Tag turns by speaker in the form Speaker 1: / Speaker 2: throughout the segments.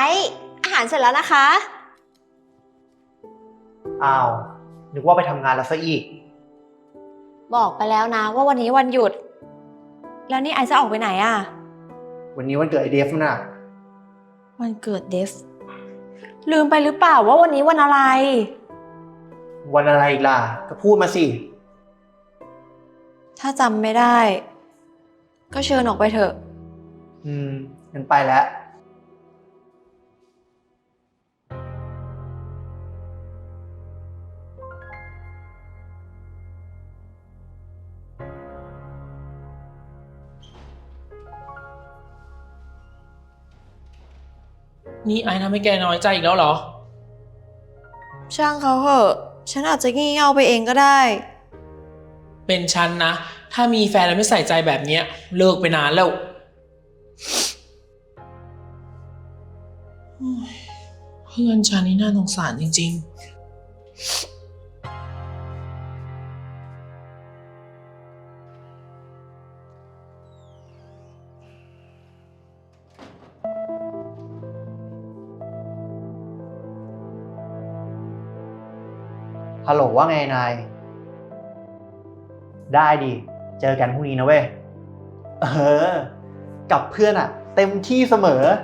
Speaker 1: อาหารเสร็จแล้วนะคะ
Speaker 2: อ้าวนึกว่าไปทำงานแล้วซะอีก
Speaker 1: บอกไปแล้วนะว่าวันนี้วันหยุดแล้วนี่ไอซ์จะออกไปไหนอะ
Speaker 2: วันนี้วันเกิดไอเดฟน่ะ
Speaker 1: วันเกิดเดฟลืมไปหรือเปล่าว่าวันนี้วันอะไร
Speaker 2: วันอะไรอีกล่ะก็พูดมาสิ
Speaker 1: ถ้าจำไม่ได้ก็เชิญออกไปเถอะ
Speaker 2: งั้นไปแล้ว
Speaker 3: นี่ไอ้ทำให้แกน้อยใจอีกแล้วเหรอ
Speaker 1: ช่างเขาเหอะฉันอาจจะงี่เง่าไปเองก็ได้
Speaker 3: เป็นฉันนะ ถ้ามีแฟนแล้วไม่ใส่ใจแบบเนี้ยเลิกไปนานแล้วเพื่อนฉันนี่น่าสงสารจริง
Speaker 2: ฮัลโหลว่าไงนายได้ดิเจอกันพรุ่งนี้นะเว้ยกับเพื่อนอะเต็มที่เสมอ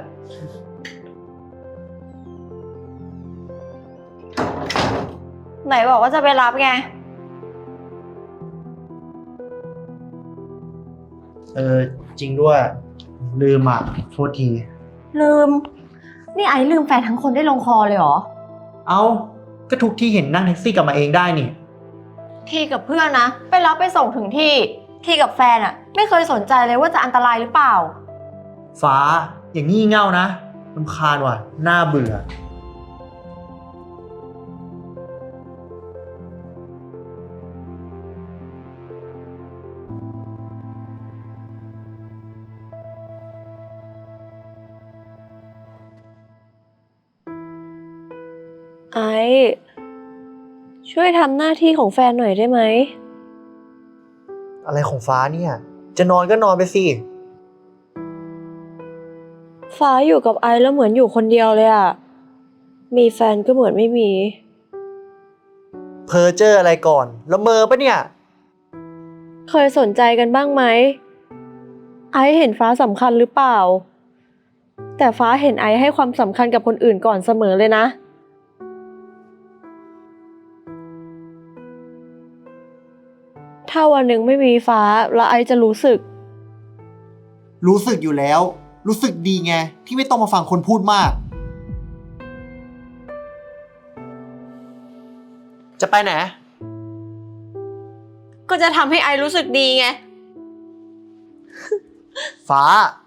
Speaker 1: ไหนบอกว่าจะไปรับไง
Speaker 2: จริงด้วยลืมอะโทษที
Speaker 1: ลืมนี่ไอซ์ลืมแฟนทั้งคนได้ลงคอเลยเหรอ
Speaker 2: เอ้าก็ทุกที่เห็นนั่งแท็กซี่กลับมาเองได้นี่
Speaker 1: ที่กับเพื่อนนะไปรับไปส่งถึงที่กับแฟนอะไม่เคยสนใจเลยว่าจะอันตรายหรือเปล่า
Speaker 2: ฟ้าอย่างงี่เง่านะรำคาญว่ะน่าเบื่อ
Speaker 1: ไอช่วยทำหน้าที่ของแฟนหน่อยได้ไหม
Speaker 2: อะไรของฟ้าเนี่ยจะนอนก็นอนไปสิ
Speaker 1: ฟ้าอยู่กับไอแล้วเหมือนอยู่คนเดียวเลยอะมีแฟนก็เหมือนไม่มี
Speaker 2: เพ้อเจ้ออะไรก่อนละเมอปะเนี่ย
Speaker 1: เคยสนใจกันบ้างไหมไอเห็นฟ้าสำคัญหรือเปล่าแต่ฟ้าเห็นไอให้ความสำคัญกับคนอื่นก่อนเสมอเลยนะถ้าวันหนึ่งไม่มีฟ้าแล้วไอจะรู้สึก
Speaker 2: อยู่แล้วรู้สึกดีไงที่ไม่ต้องมาฟังคนพูดมากจะไปไหน
Speaker 1: ก็จะทำให้ไอรู้สึกดีไง
Speaker 2: ฟ้า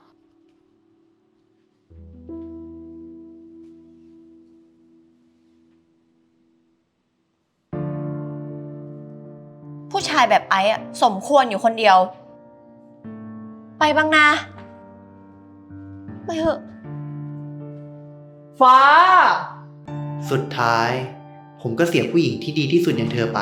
Speaker 1: ผู้ชายแบบไออะสมควรอยู่คนเดียวไปบ้างนะไปเถอะ
Speaker 2: ฟ้าสุดท้ายผมก็เสียผู้หญิงที่ดีที่สุดอย่างเธอไป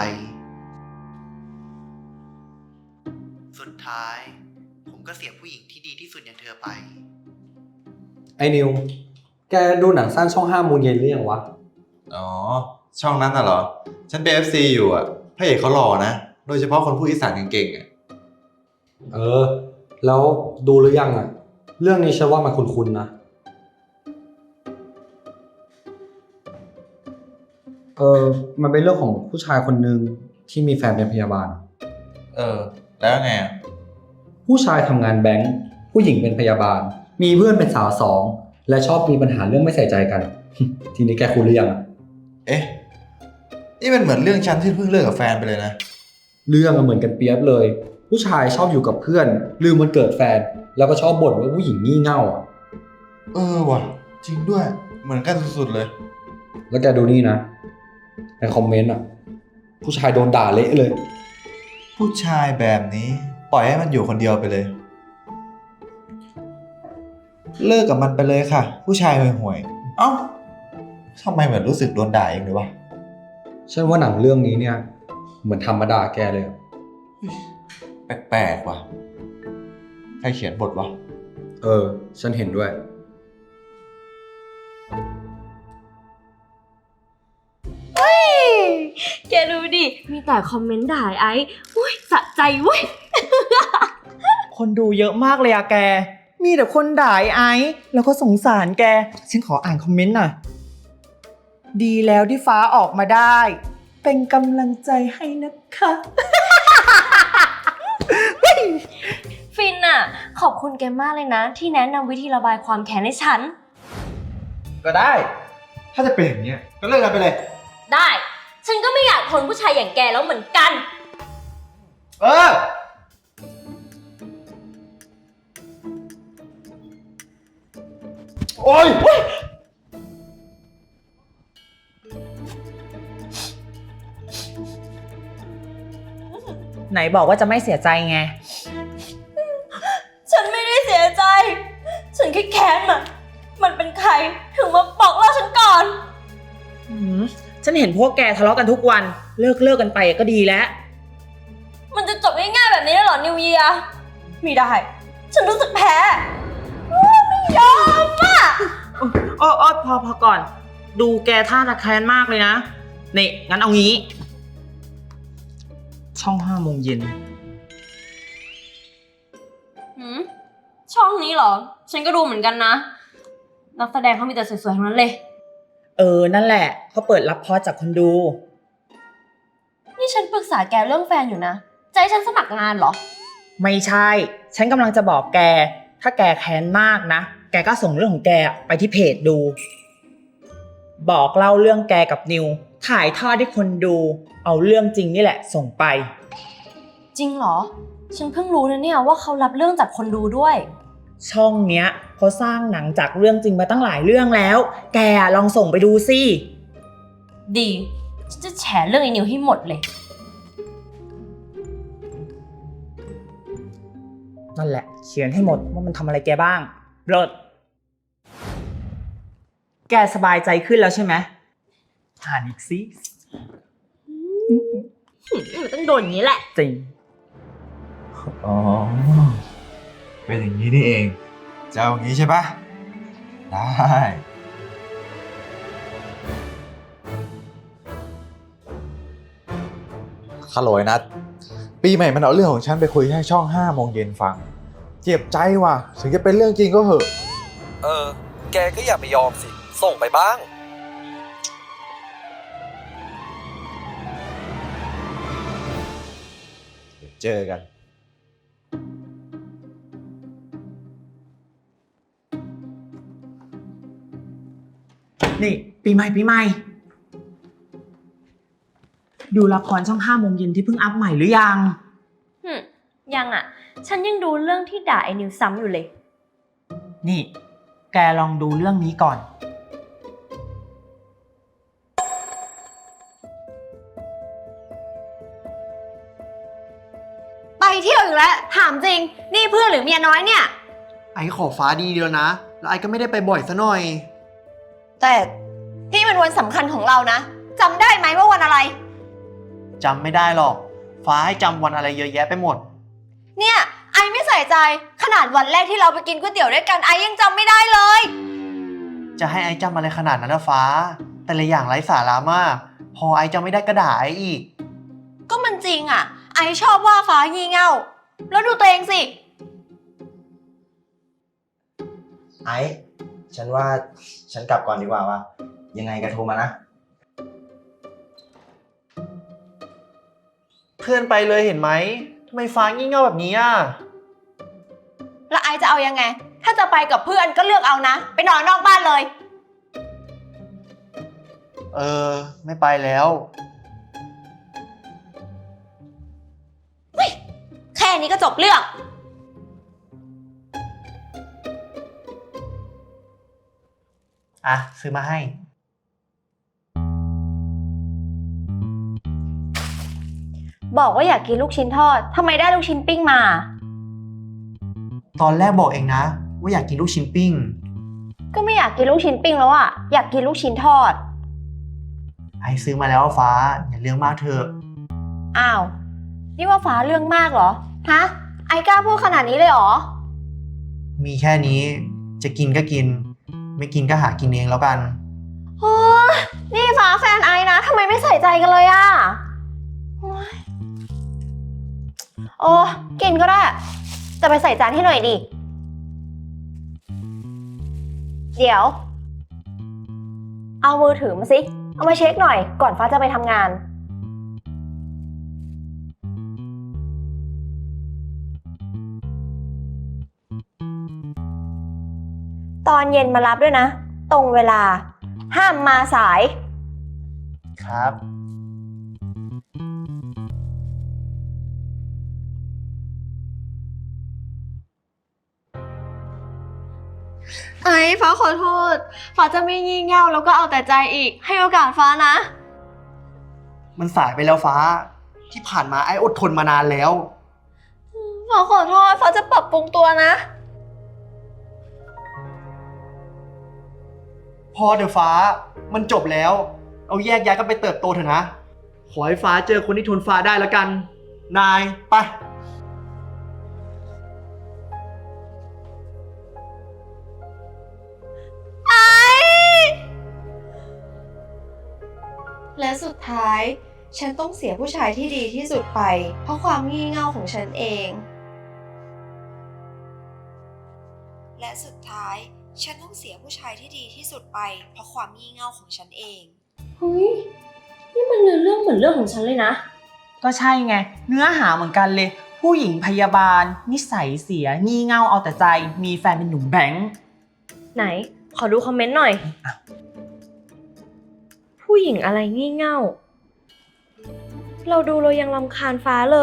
Speaker 2: สุดท้ายผมก็เสียผู้หญิงที่ดีที่สุดอย่างเธอไป
Speaker 4: ไอ้นิว แกดูหนังสั้นช่อง5 โมงเย็นหรือยังวะ
Speaker 5: อ๋อ ช่องนั้นน่ะเหรอ ฉันเป็น FC อยู่อ่ะพระเอกเขาหล่อนะ โดยเฉพาะคนพูดอีสานเก่งๆอ่ะ
Speaker 4: แล้วดูหรือยังอ่ะ เรื่องนี้ฉันว่ามันคุ้นๆนะ มันเป็นเรื่องของผู้ชายคนหนึ่งที่มีแฟนเป็นพยาบาล
Speaker 5: แล้วไงอ่ะ
Speaker 4: ผู้ชายทำงานแบงค์ผู้หญิงเป็นพยาบาล มีเพื่อนเป็นสาวสองและชอบมีปัญหาเรื่องไม่ใส่ใจกัน ทีนี้แกคุ้นหรือยังอ่ะ
Speaker 5: เอ๊ะ นี่มันเหมือนเรื่องฉันที่เพิ่งเลิกกับแฟนไปเลยนะ
Speaker 4: เรื่องเหมือนกันเปียบเลย ผู้ชายชอบอยู่กับเพื่อนลืมวันเกิดแฟนแล้วก็ชอบบ่นว่าผู้หญิงงี่เง่าอ่ะ
Speaker 5: ว่ะ จริงด้วย เหมือนกันสุดๆเลย
Speaker 4: แล้วแกดูนี่นะในคอมเมนต์อ่ะผู้ชายโดนด่าเละเลย
Speaker 5: ผู้ชายแบบนี้ปล่อยให้มันอยู่คนเดียวไปเลย เลิกกับมันไปเลยค่ะ ผู้ชายห่วยๆเอ้าทำไมเหมือนรู้สึกโดนด่าเองเลยวะ
Speaker 4: ฉันว่าหนังเรื่องนี้เนี่ยเหมือนทำมาด่าแกเลยอะ
Speaker 5: แปลกๆว่ะ ใครเขียนบทวะ
Speaker 4: ฉันเห็นด้วย
Speaker 6: แกดูดิ มีแต่คอมเมนต์ด่าไอ้อุ้ยสะใจเว้ย
Speaker 7: คนดูเยอะมากเลยอะแก มีแต่คนด่าไอ้แล้วก็สงสารแก ฉันขออ่านคอมเมนต์หน่อย ดีแล้วที่ฟ้าออกมาได้ เป็นกำลังใจให้นะคะ
Speaker 6: ฟินอะขอบคุณแกมากเลยนะ ที่แนะนำวิธีระบายความแค้นให้ฉัน
Speaker 2: ก็ได้ ถ้าจะเป็นอย่างเนี้ยก็เลิกกันไปเลย
Speaker 6: ได้ ฉันก็ไม่อยากทนผู้ชายอย่างแกแล้วเหมือนกัน
Speaker 2: เออ โอ้ย
Speaker 7: ไหนบอกว่าจะไม่เสียใจไง
Speaker 6: ฉันไม่ได้เสียใจ ฉันแค่แค้นมันเป็นใครถึงมาบอกเลิกฉันก่อน
Speaker 7: ฉันเห็นพวกแกทะเลาะกันทุกวัน เลิกกันไปก็ดีแล้ว
Speaker 6: มันจะจบง่ายๆแบบนี้ได้เหรอนิวเยียร์ไม่ได้ ฉันรู้สึกแพ้ไม่ยอมอ่ะ
Speaker 7: โอ้พอก่อน ดูแกท่าตะแคร้นมากเลยนะนี่งั้นเอางี้ ช่อง5 โมงเย็น
Speaker 6: ช่องนี้เหรอ ฉันก็ดูเหมือนกันนะ นักแสดงเขามีแต่สวยๆทั้งนั้นเลย
Speaker 7: นั่นแหละเขาเปิดรับพอร์ตจากคนดู
Speaker 6: นี่ฉันปรึกษาแกเรื่องแฟนอยู่นะจะให้ฉันสมัครงานเหรอ
Speaker 7: ไม่ใช่ ฉันกำลังจะบอกแก ถ้าแกแค้นมากนะ แกก็ส่งเรื่องของแกไปที่เพจดู บอกเล่าเรื่องแกกับนิว ถ่ายทอดให้คนดู เอาเรื่องจริงนี่แหละส่งไป
Speaker 6: จริงเหรอ ฉันเพิ่งรู้นะเนี่ยว่าเขารับเรื่องจากคนดูด้วย
Speaker 7: ช่องเนี้ยเขาสร้างหนังจากเรื่องจริงมาตั้งหลายเรื่องแล้ว แกลองส่งไปดูสิ
Speaker 6: ดี ฉันจะแฉเรื่องไอ้นิวให้หมดเลย
Speaker 7: นั่นแหละ เขียนให้หมดว่ามันทำอะไรแกบ้างเลิศแกสบายใจขึ้นแล้วใช่ไหมอ่านอีกสิ
Speaker 6: มันต้องโดนอย่างนี้แหละ
Speaker 7: จริง
Speaker 5: อ๋อ เป็นอย่างนี้นี่เอง จะเอาอย่างนี้ใช่ปะได้ ฮัลโหลไอ้นัทปีใหม่มันเอาเรื่องของฉันไปคุยให้ช่อง5 โมงเย็นฟัง เจ็บใจว่ะ ถึงจะเป็นเรื่องจริงก็เหอะ
Speaker 8: แกก็อย่าไปยอมสิ ส่งไปบ้าง
Speaker 5: เดี๋ยวเจอกัน
Speaker 7: นี่ ปีใหม่ ดูละครช่อง5 โมงเย็นที่เพิ่งอัพใหม่หรือยัง
Speaker 6: ยังอ่ะ ฉันยังดูเรื่องที่ด่าไอ้นิวซ้ำอยู่เลย
Speaker 7: นี่ แกลองดูเรื่องนี้ก่อน
Speaker 6: ไปเที่ยวอีกแล้ว ถามจริง นี่เพื่อนหรือเมียน้อยเนี่ย
Speaker 2: ไอ้ขอฟ้าดีเดียวนะ แล้วไอ้ก็ไม่ได้ไปบ่อยซะหน่อย
Speaker 6: แต่นี่มันวันสำคัญของเรานะจำได้ไหมว่าวันอะไร
Speaker 2: จำไม่ได้หรอก ฟ้าให้จำวันอะไรเยอะแยะไปหมด
Speaker 6: เนี่ยไอไม่ใส่ใจขนาดวันแรกที่เราไปกินก๋วยเตี๋ยวด้วยกันไอยังจำไม่ได้เลย
Speaker 2: จะให้ไอ้จำอะไรขนาดนั้นนะฟ้า แต่ละอย่างไร้สาระมาก พอไอ้จำไม่ได้ก็ด่าไอ้อีก
Speaker 6: ก็มันจริงอ่ะ ไอชอบว่าฟ้างี่เง่า แล้วดูตัวเองสิ
Speaker 9: ไอ้ ฉันว่าฉันกลับก่อนดีกว่าว่ะยังไงก็โทรมานะ
Speaker 2: เพื่อนไปเลยเห็นไหมทำไมฟ้างี่เง่าแบบนี้อ่ะ
Speaker 6: แล้วไอจะเอายังไง ถ้าจะไปกับเพื่อนก็เลือกเอานะ ไปนอนนอกบ้านเลย
Speaker 2: ไม่ไปแล้ว
Speaker 6: แค่นี้ก็จบเรื่อง
Speaker 2: อ่ะ ซื้อมาให้
Speaker 6: บอกว่าอยากกินลูกชิ้นทอดทำไมได้ลูกชิ้นปิ้งมา
Speaker 2: ตอนแรกบอกเองนะ ว่าอยากกินลูกชิ้นปิ้ง
Speaker 6: ก็ไม่อยากกินลูกชิ้นปิ้งแล้วอ่ะ อยากกินลูกชิ้นทอด
Speaker 2: ไอ้ซื้อมาแล้วฟ้า อย่าเรื่องมากเถอะ
Speaker 6: อ้าว นี่ว่าฟ้าเรื่องมากเหรอ ฮะ ไอกล้าพูดขนาดนี้เลยเหรอ
Speaker 2: มีแค่นี้ จะกินก็กินไม่กินก็หากินเองแล้วกัน
Speaker 6: โอ้ยนี่ฟ้าแฟนไอนะทำไมไม่ใส่ใจกันเลยอะโอ๊ยโอ้กินก็ได้แต่ไปใส่จานให้หน่อยดิ เดี๋ยว เอามือถือมาสิ เอามาเช็คหน่อย ก่อนฟ้าจะไปทำงาน ตอนเย็นมารับด้วยนะ ตรงเวลา ห้ามมาสาย
Speaker 2: ครับ
Speaker 1: ไอ้ฟ้าขอโทษ ฟ้าจะไม่งี่เง่าแล้วก็เอาแต่ใจอีก ให้โอกาสฟ้านะ
Speaker 2: มันสายไปแล้วฟ้า ที่ผ่านมาไอ้อดทนมานานแล้ว
Speaker 1: ฟ้าขอโทษ ฟ้าจะปรับปรุงตัวนะ
Speaker 2: พอเดี๋ยวฟ้า มันจบแล้ว เอาแยกย้ายกันไปเติบโตเถอะนะ ขอให้ฟ้าเจอคนที่ทนฟ้าได้แล้วกัน นาย ไป
Speaker 1: และสุดท้าย ฉันต้องเสียผู้ชายที่ดีที่สุดไป เพราะความงี่เง่าของฉันเอง และสุดท้าย ฉันต้องเสียผู้ชายที่ดีที่สุดไป เพราะความงี่เง่าของฉันเอง
Speaker 6: เฮ้ย นี่มันเนื้อเรื่องเหมือนเรื่องของฉันเลยนะ
Speaker 7: ก็ใช่ไง เนื้อหาเหมือนกันเลย ผู้หญิงพยาบาล นิสัยเสีย งี่เง่าเอาแต่ใจ มีแฟนเป็นหนุ่มแบงค์
Speaker 6: ไหน ขอดูคอมเมนต์หน่อย ผู้หญิงอะไรงี่เง่า เราดูเรายังรำคาญฟ้าเลย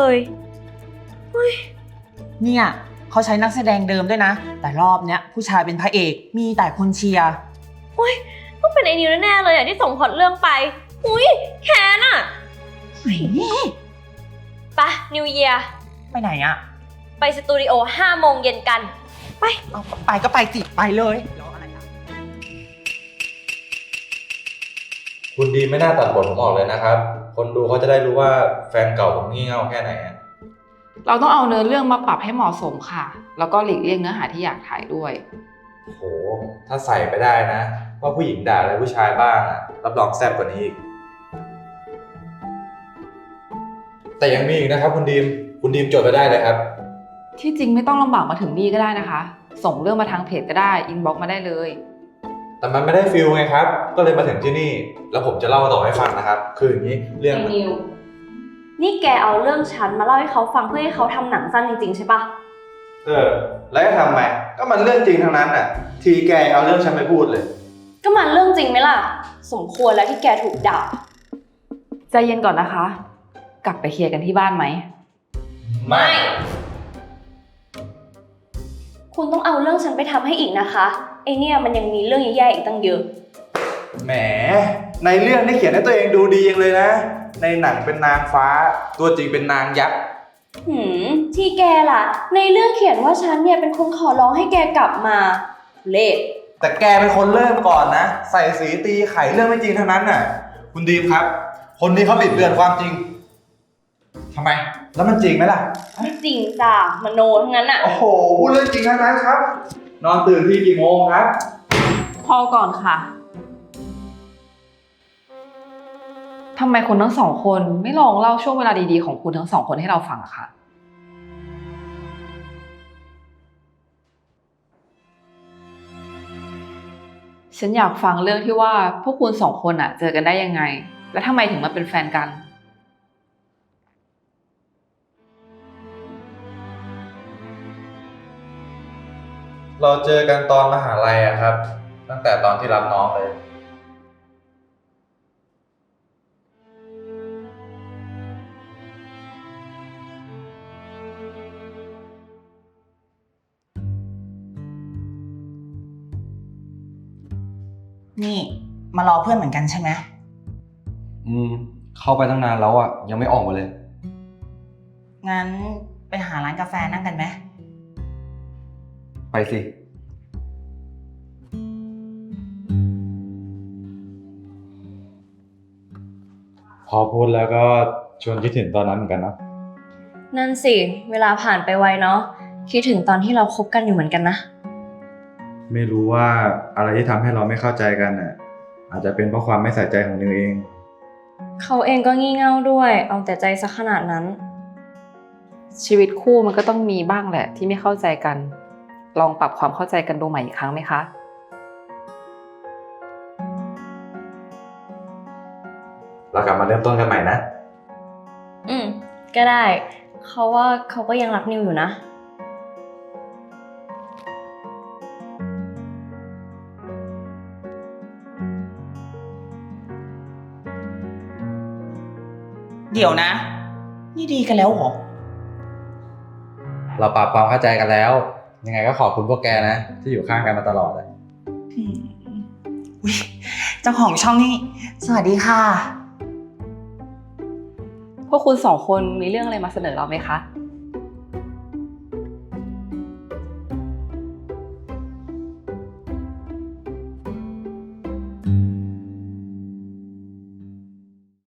Speaker 7: เนี่ยเขาใช้นักแสดงเดิมด้วยนะ แต่รอบเนี้ยผู้ชายเป็นพระเอก มีแต่คนเชียร์
Speaker 6: ต้องเป็นไอ้นิวแน่ๆเลยอ่ะที่ส่งพล็อตเรื่องไป อุ้ยแค้นอ่ะไปนิวเยียร์
Speaker 7: ไปไหนอะ
Speaker 6: ไปสตูดิโอ 5 โมงเย็นกัน
Speaker 7: เอาไปก็ไปสิไปเลยรออะไรอะ
Speaker 5: คุณดีไม่น่าตัดบทผมออกเลยนะครับ คนดูเขาจะได้รู้ว่าแฟนเก่าผมงี่เง่าแค่ไหนอะ
Speaker 10: เราต้องเอาเนื้อเรื่องมาปรับให้เหมาะสมค่ะ แล้วก็หลีกเลี่ยงเนื้อหาที่อยากถ่ายด้วย
Speaker 5: โห ถ้าใส่ไปได้นะว่าผู้หญิงด่าอะไรผู้ชายบ้างอะรับรองแซ่บกว่านี้อีก แต่ยังมีอีกนะครับคุณดีมจดไปได้เลยครับ
Speaker 10: ที่จริงไม่ต้องลำบากมาถึงนี่ก็ได้นะคะ ส่งเรื่องมาทางเพจก็ได้ อินบ็อกซ์มาได้เลย
Speaker 5: แต่มันไม่ได้ฟิลไงครับ ก็เลยมาถึงที่นี่ แล้วผมจะเล่าต่อให้ฟังนะครับ คืออย่างนี้เรื่อง
Speaker 6: ไอ้นิว นี่แกเอาเรื่องฉันมาเล่าให้เขาฟังเพื่อให้เขาทำหนังสั้นจริงๆใช่ปะ
Speaker 5: แล้วจะทำไมก็มันเรื่องจริงทั้งนั้นน่ะ ทีแกเอาเรื่องฉันไปพูดเลย
Speaker 6: ก็มันเรื่องจริงไหมล่ะ สมควรแล้วที่แกถูกด่า
Speaker 10: ใจเย็นก่อนนะคะ กลับไปเคลียร์กันที่บ้านไหม
Speaker 6: ไม่ คุณต้องเอาเรื่องฉันไปทำให้อีกนะคะไอเนี่ยมันยังมีเรื่องแย่ๆอีกตั้งเยอะ
Speaker 5: แหม ในเรื่องนี่เขียนให้ตัวเองดูดียังเลยนะ ในหนังเป็นนางฟ้า ตัวจริงเป็นนางยักษ์
Speaker 6: ที่แกล่ะ ในเรื่องเขียนว่าฉันเนี่ยเป็นคนขอร้องให้แกกลับมาเละ
Speaker 5: แต่แกเป็นคนเริ่มก่อนนะ ใส่สีตีไข่เรื่องไม่จริงทั้งนั้นน่ะ คุณดีมครับ คนนี้เขาบิดเบือนความจริงทำไม แล้วมันจริงไหมล่ะ
Speaker 6: ไม่จริงจ้ะมโนทั้งนั้นอะ
Speaker 5: โอ้โห พูดเรื่องจริงทั้งนั้นครับ นอนตื่นที่กี่โมงครับ
Speaker 10: พอก่อนค่ะทำไมคุณทั้งสองคนไม่ลองเล่าช่วงเวลาดีๆของคุณทั้งสองคนให้เราฟังอะคะฉันอยากฟังเรื่องที่ว่าพวกคุณสองคนอะเจอกันได้ยังไง และทำไมถึงมาเป็นแฟนกัน
Speaker 5: เราเจอกันตอนมหาลัยอะครับ ตั้งแต่ตอนที่รับน้องเลย
Speaker 7: นี่มารอเพื่อนเหมือนกันใช่ไหม
Speaker 4: เข้าไปตั้งนานแล้วอ่ะ ยังไม่ออกมาเลย
Speaker 7: งั้นไปหาร้านกาแฟนั่งกันไหม
Speaker 4: ไปสิ พอพูดแล้วก็ชวนคิดถึงตอนนั้นเหมือนกันนะ
Speaker 6: นั่นสิ เวลาผ่านไปไวเนาะคิดถึงตอนที่เราคบกันอยู่เหมือนกันนะ
Speaker 5: ไม่รู้ว่าอะไรที่ทำให้เราไม่เข้าใจกันน่ะ อาจจะเป็นเพราะความไม่ใส่ใจของนิวเอง
Speaker 11: เขาเองก็งี่เง่าด้วย เอาแต่ใจซะขนาดนั้น
Speaker 10: ชีวิตคู่มันก็ต้องมีบ้างแหละที่ไม่เข้าใจกัน ลองปรับความเข้าใจกันดูใหม่อีกครั้งไหมคะ
Speaker 5: เรากลับมาเริ่มต้นกันใหม่นะ
Speaker 11: ก็ได้ เขาว่าเขาก็ยังรักนิวอยู่นะ
Speaker 7: เดี๋ยวนะ นี่ดีกันแล้วเหรอ
Speaker 4: เราปรับความเข้าใจกันแล้ว ยังไงก็ขอบคุณพวกแกนะ ที่อยู่ข้างกันมาตลอดเลย
Speaker 7: อุ๊ยเจ้าของช่องนี่ สวัสดีค่ะ
Speaker 10: พวกคุณสองคนมีเรื่องอะไรมาเสนอเราไหมคะ